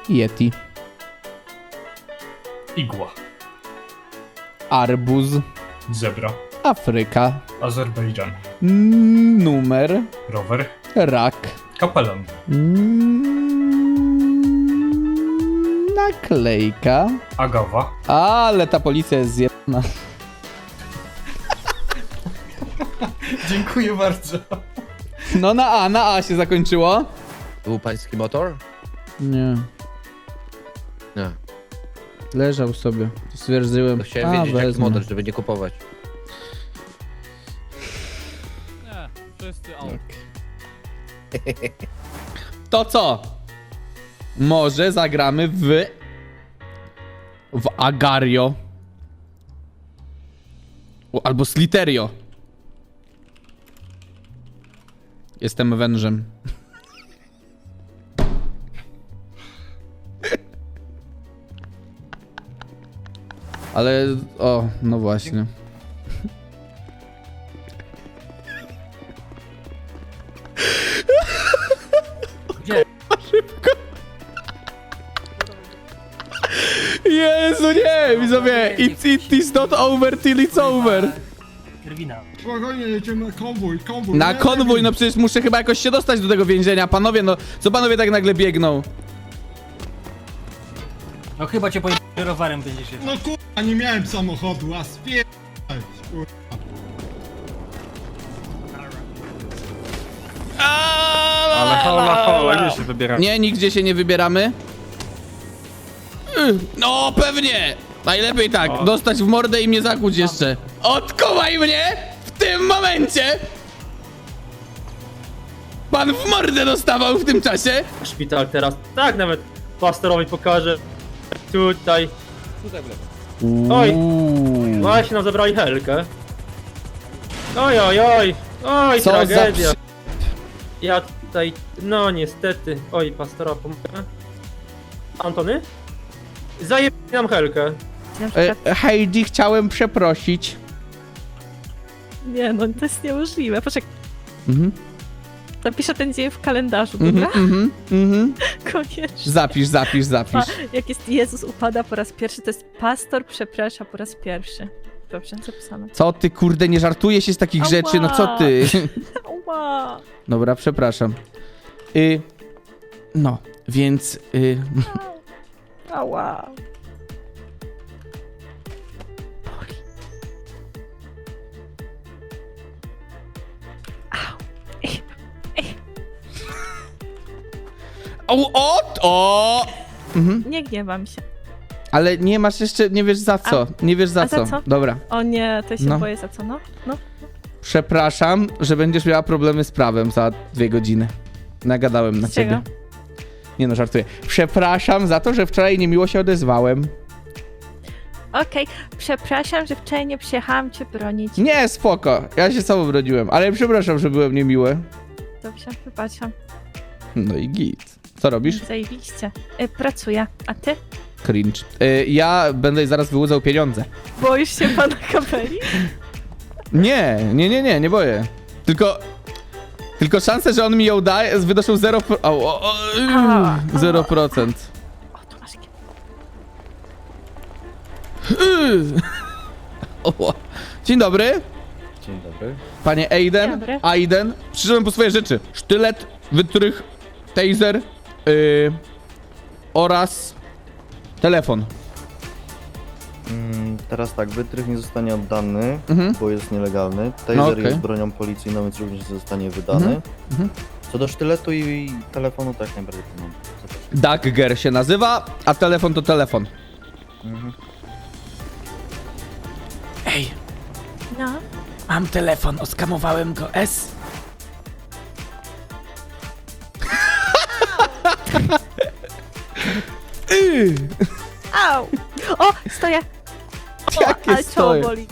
Yeti. Igła. Arbuz. Zebra. Afryka. Azerbejdżan. Numer. Rower. Rak. Kapelan. Naklejka. Agawa. Ale ta policja jest zjebana. Dziękuję bardzo. No na A się zakończyło. Był pański motor? Nie. Nie. Leżał sobie. Stwierdziłem. To chciałem wiedzieć jak wezmę. model, żeby nie kupować. To co? Może zagramy w Agario. Albo Sliterio. Jestem wężem. Ale... O, no właśnie. Gdzie? Jezu, nie! Widzowie, it is not over till it's over. Kerwina. Spokojnie, jedziemy na konwój. Na konwój, no przecież muszę chyba jakoś się dostać do tego więzienia. Panowie, no co panowie tak nagle biegną? No chyba cię pojechać rowerem będziesz jechał. No kurwa, nie miałem samochodu, a spierdać, kurwa. Ale hola, gdzie się wybiera? nie, nigdzie się nie wybieramy. No pewnie! Najlepiej tak, dostać w mordę i mnie zakłuć jeszcze. Odkuwaj mnie w tym momencie! Pan w mordę dostawał w tym czasie? Szpital teraz. Tak, nawet pastorowi pokażę. Tutaj. Oj. Właśnie nam zabrali Helkę. Oj, oj, oj. Oj, Co za tragedia. Ja tutaj, no niestety. Oj, pastora pomogę. Antony? Zajeb nam Helkę. Heidi, chciałem przeprosić. Nie no, to jest niemożliwe. Poczekaj, Mhm, zapiszę ten dzień w kalendarzu, mhm, dobra? mhm. Koniecznie. Zapisz. Jak jest Jezus upada po raz pierwszy, to jest pastor przeprasza po raz pierwszy. Dobrze, zapisane. Co ty, kurde, nie żartuje się z takich Ała. rzeczy, no co ty? Ła. Dobra, przepraszam. No, więc... Ała. O! Mhm. Nie gniewam się. Ale nie masz jeszcze, nie wiesz za co. Nie wiesz za a za co. co? Dobra. O nie, to się No. boję za co, no? No. Przepraszam, że będziesz miała problemy z prawem za 2 godziny. Nagadałem na Z czego? ciebie. Nie no, żartuję. Przepraszam za to, że wczoraj niemiło się odezwałem. Okej, przepraszam, że wczoraj nie przyjechałam cię bronić. Nie, spoko. Ja się sam obroniłem, ale przepraszam, że byłem niemiły. Dobrze, wybaczam. No i git. Co robisz? Zajebiście. Pracuję. A ty? Cringe. Ja będę zaraz wyłudzał pieniądze. Boisz się pana kapeli? Nie boję. Tylko szanse, że on mi ją da, wynoszą 0%. Ała. 0%. O, tu masz kie- O, dzień dobry, Dzień dobry. panie Aiden. Dzień dobry. Aiden, przyszedłem po swoje rzeczy. Sztylet, wytrych, taser oraz telefon. Teraz tak, wytrych nie zostanie oddany, Mhm. bo jest nielegalny. Taser No, okej. jest bronią policyjną, więc również nie zostanie wydany. Mhm. Co do sztyletu i telefonu, tak najbardziej to mam. Zapraszam. Dagger się nazywa, a telefon to telefon. Mhm. Ej, No. mam telefon, oskamowałem go, S. Au! O, stoję! O, Jakie ale czoło stoję? boli.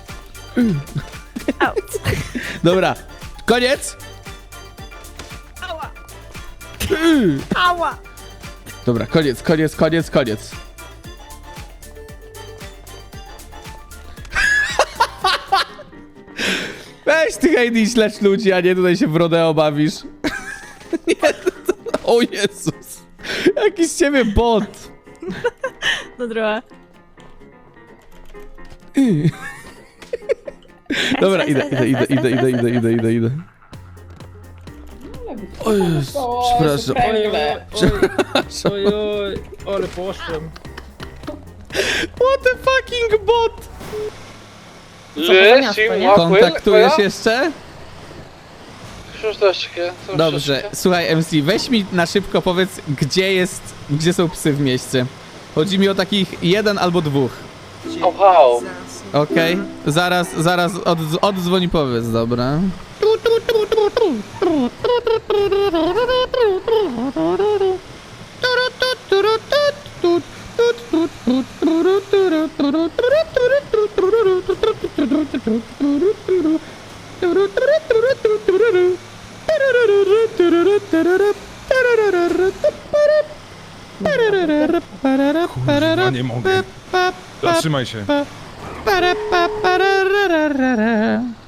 Au. Dobra, koniec. Ała! Ała! Dobra, koniec. Weź ty Heidi, śledź ludzi, a nie tutaj się w rodeo bawisz. Nie, o Jezus. Jakiś z ciebie bot. Dobra. Dobra, idę. O Jezu, przepraszam. Oj, ale poszłem. What the fucking bot? miasto, nie? Kontaktujesz jeszcze? Szósteczkę. Dobrze, słuchaj MC, weź mi na szybko powiedz, gdzie są psy w mieście. Chodzi mi o takich 1 albo 2. How? Okej, zaraz oddzwoń i powiedz, dobra. Kurwa, nie mogę. Zatrzymaj się.